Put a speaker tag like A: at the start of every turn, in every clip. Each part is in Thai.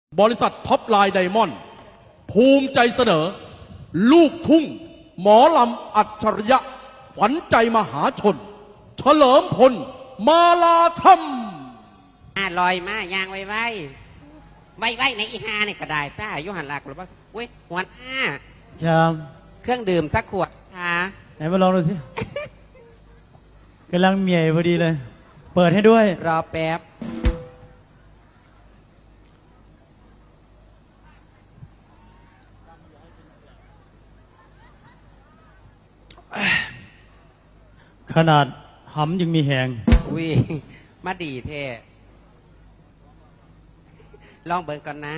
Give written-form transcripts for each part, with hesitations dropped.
A: บริษัทท็อปไลน์ไดมอนด์ภูมิใจเสนอ ลูกทุ่งหมอลำอัจฉริยะฝันใจมหาชน เฉลิมพลมาลาธรรม
B: ลอยมายางไว้ไว้ในอีหาเนี่ยก็ได้ซ่ายุหันหลักหรือว่าเว้ยหัวหน้า
C: จาม
B: เครื่องดื่มสักขวดค่ะ
C: ไหนมาลองดูสิ กำลังเมียพอดีเลย เปิดให้ด้วย
B: รอแป๊บ
C: ขนาดหำยังมีแหง
B: วิมาดีเท่ลองเบิ่งก่อนนะ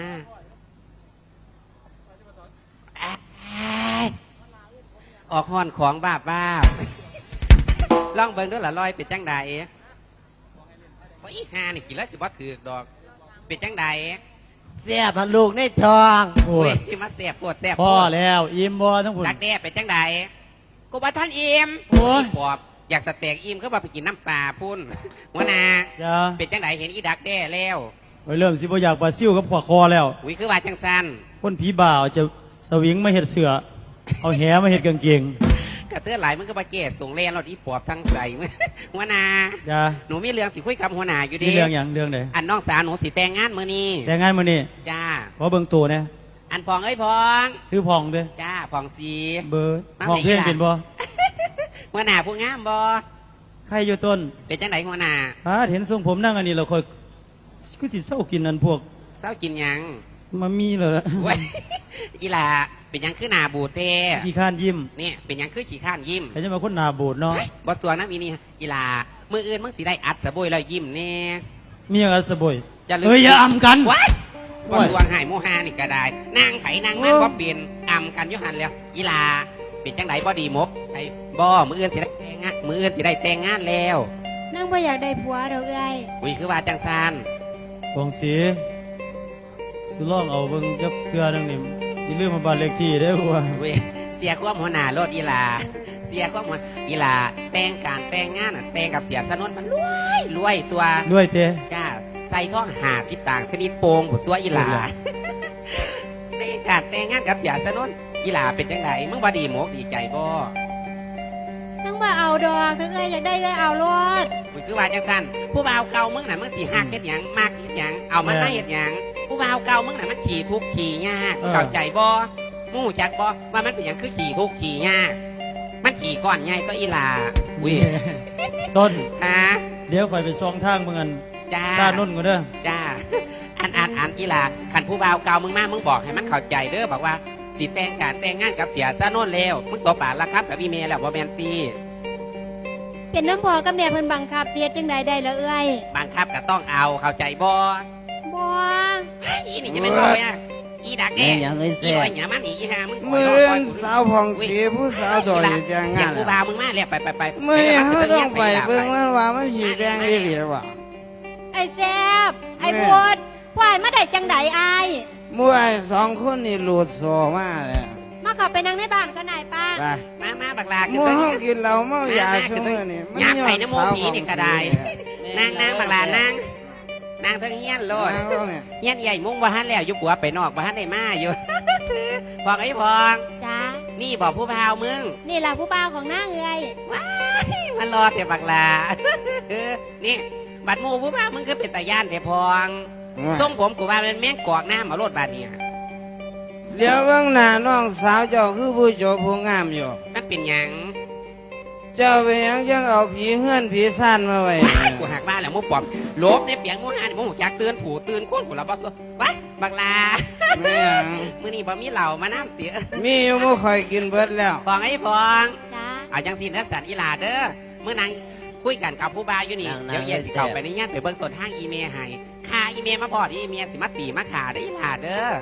B: ออกห้อนของบ้าลองเบิ่งด้วยล่ะลอยเป็นจังใดว่าอีหานี่กินแล้วสิบ่ถือดอกเป็นจังใด
D: เสียบลูกในท้อง
C: โอ้
B: เว้
C: ย
B: ยที่มาแสบปวดแสบ
C: พ่อแล้วอิ่มบ่ทั้งผุน
B: ดักแด้เป็นจังใดกูว่าท่านอิ่ม
C: โอ้ย
B: ปอบอยากสเต็กอิ่มก็มาไปกินน้ำปลาพุ่นหัวหนา
C: จ้า
B: เป็นจังใดเห็นอีดักแด้แล้ว
C: ไปเริ่มสิบ่อยากปลาซิ่วกับขวาคอแล้ว
B: วิคือว่าจังสัน
C: คนผีบ่าวจะสวิงมาเห็ดเสือ เอาแหมาเห็ดกางเกง
B: กระเตื้อหลายมึงก็มาแก่ส่งเล่นเราที่ปอบทั้งใส่มึงหัวหนา
C: จ้า
B: หนูมีเรื่องสิคุยกับหัวหนาอยู่
C: มี
B: ดี
C: เรื่องอย่างเรื่องไหน
B: อันน้องสาวหนูสิแต่งงานมื้อนี้
C: แต่งงานมื้อนี้
B: จ้า
C: ขอเบิ่งตัวนะ
B: อันพองเอ้ยพอง
C: ซื้อพองด้วย
B: จ้าพองสี
C: เบอร์
B: มา
C: พองเพลง
B: ไหนล่ะ
C: เป็นบ่
B: หัวหนาผู้งามบ่
C: ใครอยู่ต้น
B: เป็นจังใดหัวหนา
C: เห็นทรงผมนั่งอันนี้เราคอยก็สิเศร้ากินอันพวก
B: เศร้ากินหยัง
C: มามีเลยละ
B: เว้ยอีหลาเป็นหยังคือหนาบูดเต้
C: ขี้ข้านยิ้ม
B: เนี่ยเป็นหยังคือขี้ข้านยิ้ม
C: ใครจะมาคนหนาบูดเนาะ
B: บทสวงน้ำอีนี่อีหลามืออื่นมึงสิได้อัดสะบวยแล้วยิ้มเนี่ย
C: มีอะไรสบอย
B: จะลืม
C: เอ้ยอย่าอำกัน
B: ว้ายบ
C: โอ้
B: ท
C: ย
B: สวงหายโมหานี่ก็ได้นางไผนางมันบ่เปลี่ยนอำกันอยุหันแล้วอีหลาเป็นจังไดบ่ดีมกไอ้บ่มืออื่นสิได้แต่งงานมืออื่นสิได้แต่งงานแล้ว
E: นั่งบ่อยากได้ผัวดอกเอ้ย
B: อุ้ยคือว่าจังซาน
C: กองสีสุล่องเอาเบิ่งยับเครือนึงนี่อย่าลืมมาบ้านเลขที่เด้อว่า
B: เว้ยเสียความหัวหน้าโลดอีหลาเสียความหัวอีหลาแต่งการแต่งงานน่ะแต่งกับเสียสนนมันรวยตัว
C: ด้วยเตะ
B: จ้าใส่ท้อง50ต่างชนิดโปงหมดตัวอีหลาในการแต่งงานกับเสียสนนอีหลาเป็นจังไดมึงบ่ดีหมกดีใจบ่
E: นั่งบ่เอาดอกถ้าเอ้ยอยากได้เอ้ยเอารถ
B: มึงคือว่าจังซั่นผู้บ่าวเก่ามึงน่ะมึงสิฮักเฮ็ดหยังมากเฮ็ดหยังเอามันมาเฮ็ดหยังผู้บ่าวเก่ามึงน่ะมันขี่ทุกข์ขี่ยากเข้าใจบ่มึงรู้จักบ่ว่ามันเป็นหยังคือขี่ทุกข์ขี่ยากมันขี่ก้อนใหญ่ตัวอีหลาอุ้ย
C: ต้น
B: ฮะ
C: เดี๋ยวคอยไปซองทางเมืองอัน
B: จ้า
C: ซานุ่นก็เด้อ
B: จ้าอันอีหลาขันผู้บ่าวเก่ามึงมามึงบอกให้มันเข้าใจเด้อบอกว่าสิแต่งการแต่งงานกับเสียซะโน่นแล้วมึงตบปากละครับกับพี่เมย์แล้วบ่แมนตี
E: เป็นน้ำพอกับแม่เพิ่นบังคับเสียจังใดได้ละเอ้ย
B: บังคับก็ต้องเอาเข้าใจบ่
E: บ่
B: อีนี่จะเป็นบ่เนี่ยอีดักแก่
D: อย่างเอ้ย
B: อี
D: เสีย
B: อ้อยหยามันอีห่ามึง
F: มือเล่นสาวผ่องสีผู้สาวดอยจัง
B: เสีย
F: งาง น
B: ผู้บ่าวมึงมาแล้วไป
F: มือนี้เขาต้องไปเบิ่งมันว่ามันสีแดงอีหลีว่ะ
E: ไอ้แซบไอ้พูดปล่อยมาได้จังใดอาย
F: มวยสองคนนี่หลุดโซมาเลย
E: มาเขับไปนั่งในบ้านก็นายป้า
F: ไป
B: มาบักลา
F: ห
B: ขึ้น
F: มู่
B: ตัว
F: เฮา
B: นี้
F: กินเหล้าเมายาซุมื้อนี่
B: อยากไปน้ำโมผีนี่ก็ได้นางบักลานางทั้งเฮียนโลด
F: นางเราเนี่ย
B: เฮียนใหญ่มุ้งบ่ฮันแล้วอยู่ปัวไปนอกบ่ฮันได้มาอยู่ พองไอ้พอง
E: จ้า
B: นี่บอกผู้พาวมึง
E: นี่ล่ะผู้บ่าวของนางเอ้ย
B: มันรอแต่บักลา นี่บัดหมูผู้พาวมึงก็เป็นตาย่านแต่พองทรงผมกูว่าเป็นแม่งกอกน้ำเอารถบาดเนี่ย
F: เดี๋ยวเบิ่งหน้าน้องสาวเจ้าคือผู้โจบผู้งามอยู่
B: มันเป็นหยัง
F: เจ้าเป็นหยังจังเอาผีเฮือนผีซ่านมาไว้
B: กูหักบ้านแล้วมูปอบลบในเปียงมูหานมูหูจักเตือนผู้ตื่นคนกูละบ่ซัวไว้บักลา
F: แม่หยัง
B: มื้อนี้บ่มีเหล้ามาน้ำเตี๋ย
F: มีอยู่บ่ค่อยกินเบิดแล้ว
B: พองไอ้พอง
E: จ้า
B: เอาจังสินะสันอีหลาเด้อเมื่อนางคุยกันกับผู้บ่าวอยู่นี่
D: นาง
B: เดี๋ยวเย็นสิเข้าไปในย่านไปเบิ่งต้นทางอีเมลให้ค่าอีเมลมาพอดอีเมลสิมาตีมาขาได้ออีหลาเด้อ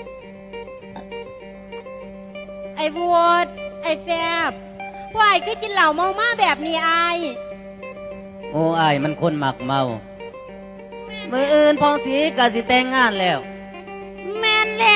E: ไอ้พูดไอ้แซบพวกไอ้คือกินเหล้าเมามาแบบนี้อาย
D: โอ้อายมันคนหมักเมา มืออื่นพองสีกะสิแต่งงานแล้ว
E: แม่นแล้ว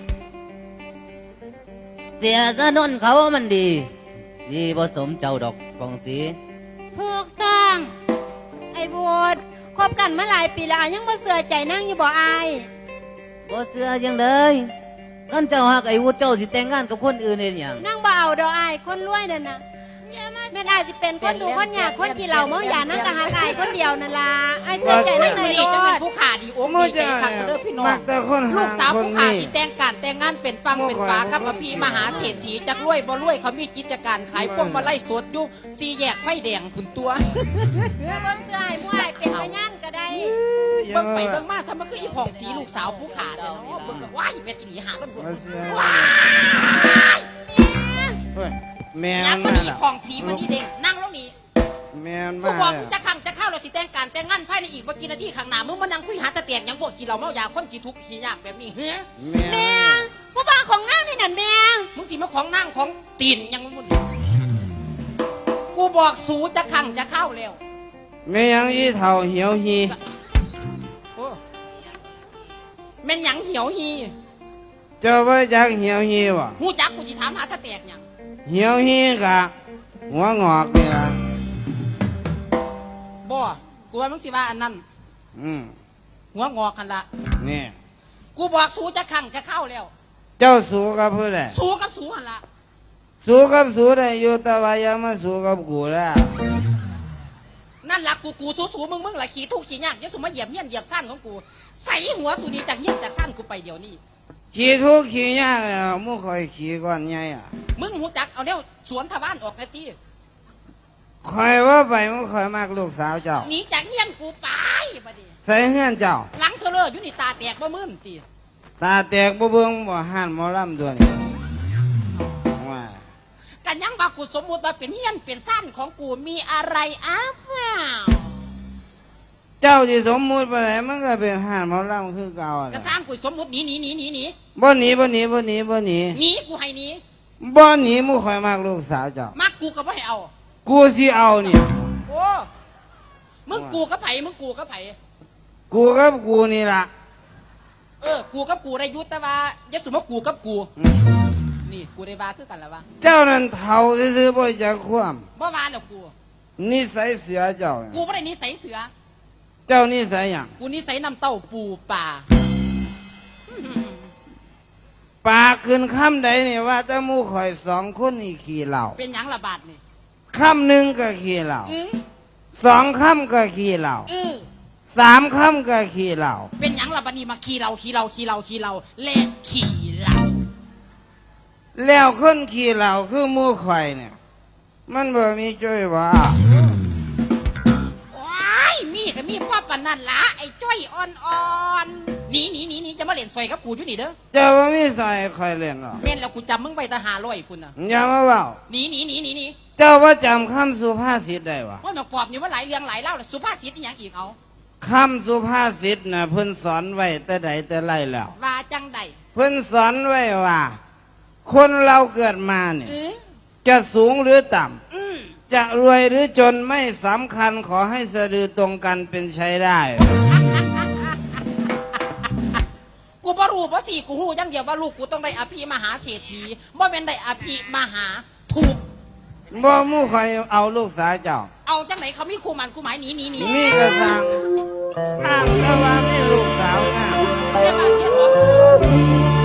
D: เสียสนนเขามันดีผสมเจ้าดอกพองสี
E: ถูกต้องไอ้พูดคบกันมาหลายปีแล้วอายยังบ่เสื่อใจนั่งอยู่บ่อาย
D: บ่เสือยังเลยนั่นเจ้าหักไอ้วุฒิเจ้าสิแต่งงานกับคนอื่นเองอย่าง
E: นั่งบ่เอาดอกอายคนรวยนั่นน่ะแม่นอายสิเป็นคนถูกคนยากคนขี้เหล้าเมายานั่งกะหากอายคนเดียวนั่นล่ะอายเสียใจนั่ง
G: มื
E: เล
G: อย นี้จะ
E: โล
G: เป็น
E: ด
G: ผู้ขาดีโอ้
F: มู่
G: ดีใจ
F: จะ
G: ค่ะเด้อพี่น้อง
F: มักแต่คน
G: ลู
F: หาก
G: สาว
F: คน
G: ผู้ขา
F: นี้
G: ที่แต่งการแต่งงานเป็นฟังเป็นฝากับอภิมหาเศรษฐีจักรวยบ่รวยเขามีกิจการขายพวงมาลัยสดอยู่สี่แยกไฟแดงผุนตัว
E: เบิ่งเตืออายมู่อายเป็นพยานก็ได้
G: เบิ่งไปเบิ่งมาซะมันคืออีผ่องสีลูกสาวผู้ขาเด้อเนาะเบิ่งก็ว้ายแม่ตีหนีหาแล้วบ่
F: มาเสีย
G: ว้าย
F: เฮ้ยแม่
G: ยัง
F: มั
G: บ่
F: น
G: มี
F: มา
G: ผ่องสีมันนี่เด้งนั่งลงนี่
F: แม่มัน
G: กู
F: มา
G: บอก
F: แล้ว
G: จะขังจะเข้าเราสิแต่งการแต่งงานภายในอีกบ่กี่นาทีข้างหน้ามึงมานั่งคุยหาตะแตกหยังพวกขี้เหล้าเมายาคนขี้ทุกข์ขี้ยากแบบนี้เฮ้ย
F: แม่
E: ผู้บ่าวของนางนี่นั่นแม่
G: มึงสิมาของนั่งของตีนหยังมึงกูบอกสูจะขังจะเข้าแล้ว
F: แม่ยังอีเท่าเหี่ยวหี
G: โอ้แม่นหยังเหี่ยวฮี
F: เจ้าว่าจักเหี่ยวหีบ่
G: หูจักกูสิถามหาตะแตกหยัง
F: เหี่ยวหีกะหัวงอกนี่ล่ะ
G: บ่กูว่ามึงสิว่าอันนั้น
F: อืม
G: หัวงอกคันละ
F: นี่
G: กูบอกสูจะขังจะเข้าแล้ว
F: เจ้าสู้กับผู้ใด
G: สูกับสูหันละ
F: สู้กับสู้ได้อยู่แต่ว่าอย่ามาสู้กับกูแล้ว
G: นั่นล่ะกูสูมึงล่ะขี้ทุกข์ขี้ยากอย่าสูมาเหยียบเฮี้ยนเหยียบสั้นของกูใส่หัวสูนี้จากเฮี้ยนจากสั้นกูไปเดี๋ยวนี้
F: ขี่ทุกข์ขี่ยากแล้วมึงคอยขี่ก่อนใหญ่อ่ะ
G: มึงหูจักเอาเนี่ยสวนทวารออกไอ้ตี
F: คอยว่าไปมึงคอยมากลูกสาวเจ้า
G: หนีจากเฮี้ยนกูไปบัดนี้
F: ใส่เฮือนเจ้า
G: หลังเธอเลยอยู่นี่ตาแตกบ่มื่นตี
F: ตาแตกบ่เบิ่งบ่ห่านหมอลำตัวนี้ว่า
G: กันยังว่ากูสมมุติว่าเป็นเฮี้ยนเป็นสั้นของกูมีอะไรอ้าวเปล่า
F: เจ้าที่สมมุติไปไหนมันก็เป็นห่านหมอลำคือเก่า
G: ก็
F: น่ะ
G: สร้างกูสมมุติหนี
F: บ่หนีบ่หนีบ่หนีบ่หนี
G: หนีกูให้หนี
F: บ่หนีมึงคอยมากลูกสาวเจ้า
G: มักกูก็บ่ให้เอา
F: กูสิเอานี่
G: โอ้มึงกูกับไผมึงกูกับไผ
F: กูกับกูนี่ล่ะ
G: กูกับกูได้ยุติแต่ว่าอย่าสมมติกูกับกู นี่กูได้บาคือกันแล้ววะ
F: เจ้านั่นเท่าซื่อๆบ่จักความ
G: บ่วานแล้วกู
F: นิสัยเสือเจ้า
G: กูไม่ได้นิสัยเสือ
F: เจ้านิสัยหยัง
G: กูนิสัยน้ำเต้าปูป่า
F: ปากขึ้นคำใดนี่ว่าแต่หมู่ข่อยสองคนนี่ขี่เหล้า
G: เป็นหยังระบาดนี่
F: คำหนึ่งก็ขี่เหล้า
G: เออ
F: สองคำก็ขี่เหล้า
G: เออ
F: สามคำก็ขี่เหล้า
G: เป็นหยังระบาดนี่มาขี่เราและขี่เรา
F: แล้วคนขี่เหล้าคือหมู่ข่อยเนี่ย มันบ่มีจ้อยว่า
G: โอ้ยมีก็มีพ่อปานนั่นละไอ้จ้อยอ่อนๆหนีจะมาเล่นซอยกับกูอยู่นี่เด้อ
F: เจ้าบ่มีสอยข่อยเล่นหรอก
G: แม่นแล้วกูจำมึงไปตาหาร้อยพุ่นน่ะ
F: อย่ามาเว้า
G: หนี
F: เจ้าว่าจำคำสุภาษิตได้วะ
G: ว่าหนอกปอบนี่ว่าหลายเรื่องหลายเล่าแล้วสุภาษิตอีหยังอีกเอา
F: คำสุภาษิตน่ะเพิ่นสอนไว้แต่ใดแต่ไรแล้ว
G: ว่าจังใด
F: เพิ่นสอนไว้ว่า คนเราเกิดมาเนี่ย
G: เออ
F: จะสูงหรือต่ำ
G: อืม
F: จะรวยหรือจนไม่สำคัญขอให้สะดือตรงกันเป็นใช้ได้
G: กูบ่รู้บ่สิกูฮู้อย่างเดียวว่าลูกกูต้องได้อภิมหาเศรษฐีบ่แม่นได้อภิมหาถูก
F: บ่หมู่คอยเอาลูกสาวเจ้า
G: เอาจังไหนเขามีคู่มันคู่หมายหนี
F: นี่ก็สั่งอ้างแต่ว่ามีลูกสาวงาม
G: เดี๋ยวมาเทียบว่า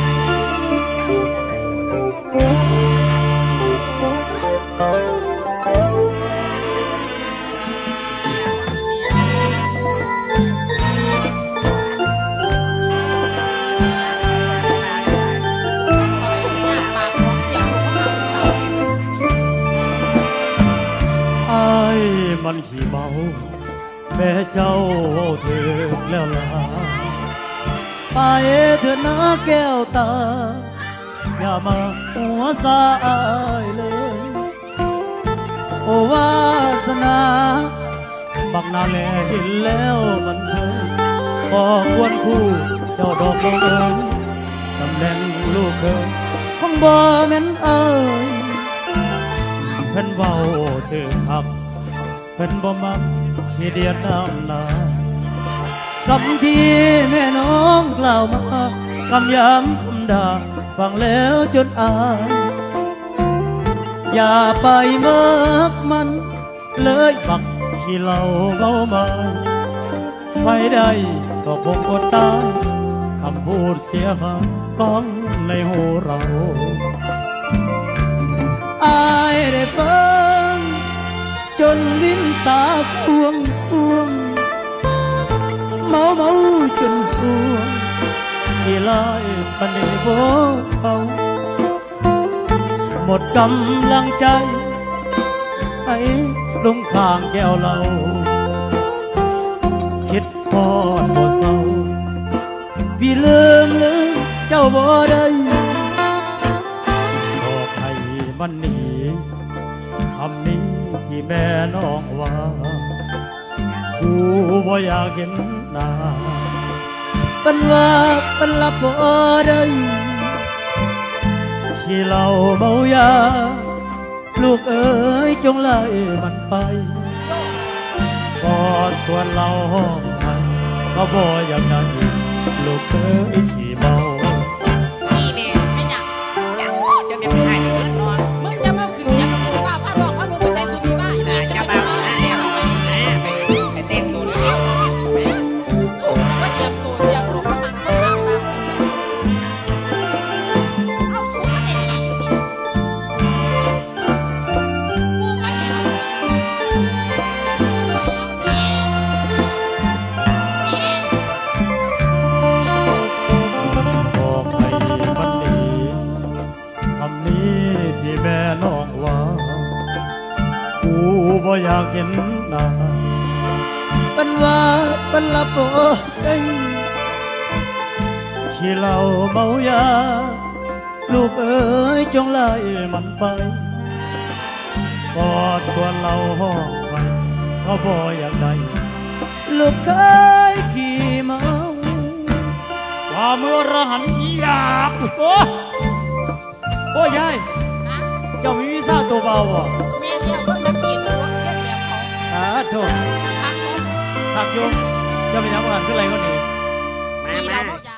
C: ไอ้ายมันขี้เมาแม่เจ้าเถิดแล้วล่ะไปเถิดนะแก้วตา อย่ามาหัวสายเลย โอวาสนาบักนาแลเห็นแล้วมันเชยพอควรคู่เจ้าดอกบังเอิญตำแหน่งลูกเคยของบ่แม่นเอ่ยเพิ่นเว้าถึงหักเพิ่นบ่มักขี้เดียดน้ำหนาคำที่แม่น้องกล่าวมากำย้ำคำด่าฟังแล้วจนอายอย่าไปเมิกมันเลยบักขี้เหล้าเมาไมาไปได้ก็คงอดตายคำพูดเสียหายก้องในหูเราอายได้เบิ่งจนลิ้นตาควงเมาจนสวงที่ลายปานนี้บ่เขาหมดกำลังใจให้ลงข้างแก้วเราคิดพอดบ่เศร้าพี่ลืมเจ้าบ่ได้บอกให้มันหนีคำนี้ที่แม่น้องว่ากูบ่อยากเห็นหน้าเป็นว่าเป็นลับบ่ได้ที่เราเมายาลูกเอ๋ยจงไล่มันไปกอดตัวเราห้องมันก็บ่อยากได้ลูกเอ๋ยที่เมา
B: นี่แม่ไม่จังจังโอ้จะไม่ให้ไปเงินนอน
G: มึงจะมาขึ้นจะมาพูดว่าพาบอกว่าลุงไปใส่สุดที่บ้าน
B: น่ะจะมาหาแล้วไปเต้นตัวนี้ไป
G: ถูกแล้วก็เตรียมตัวเตรียมตัวมาเอาสูงมาเด็ดกูไม่เห็น
C: บอกให้มันหนีคำนี้ที่แม่น้องว่ากูบ่อยากเห็นหน้าเป็นว่าเป็นลับบ่ได้ที่เราเมายาลูกเอ๋ยจงไล่มันไปกอดตัวเราห้องไปเขาบ่อยากได้ลูกเคยขี่เมาว่าเมื่อระหันอยากโอ้ยายเจ้ามีวีซ่าตัวเบาอ่ะ
G: แม่เที่ยวคนตะกี้ตัวเทียบแบบเขา
C: โทษ
G: ทักเขา
C: ถักโยมเจ้าเป็นยังไงขึ้นอะไรก็หนี
B: มา
G: ขี่
B: มา
G: เราเมายา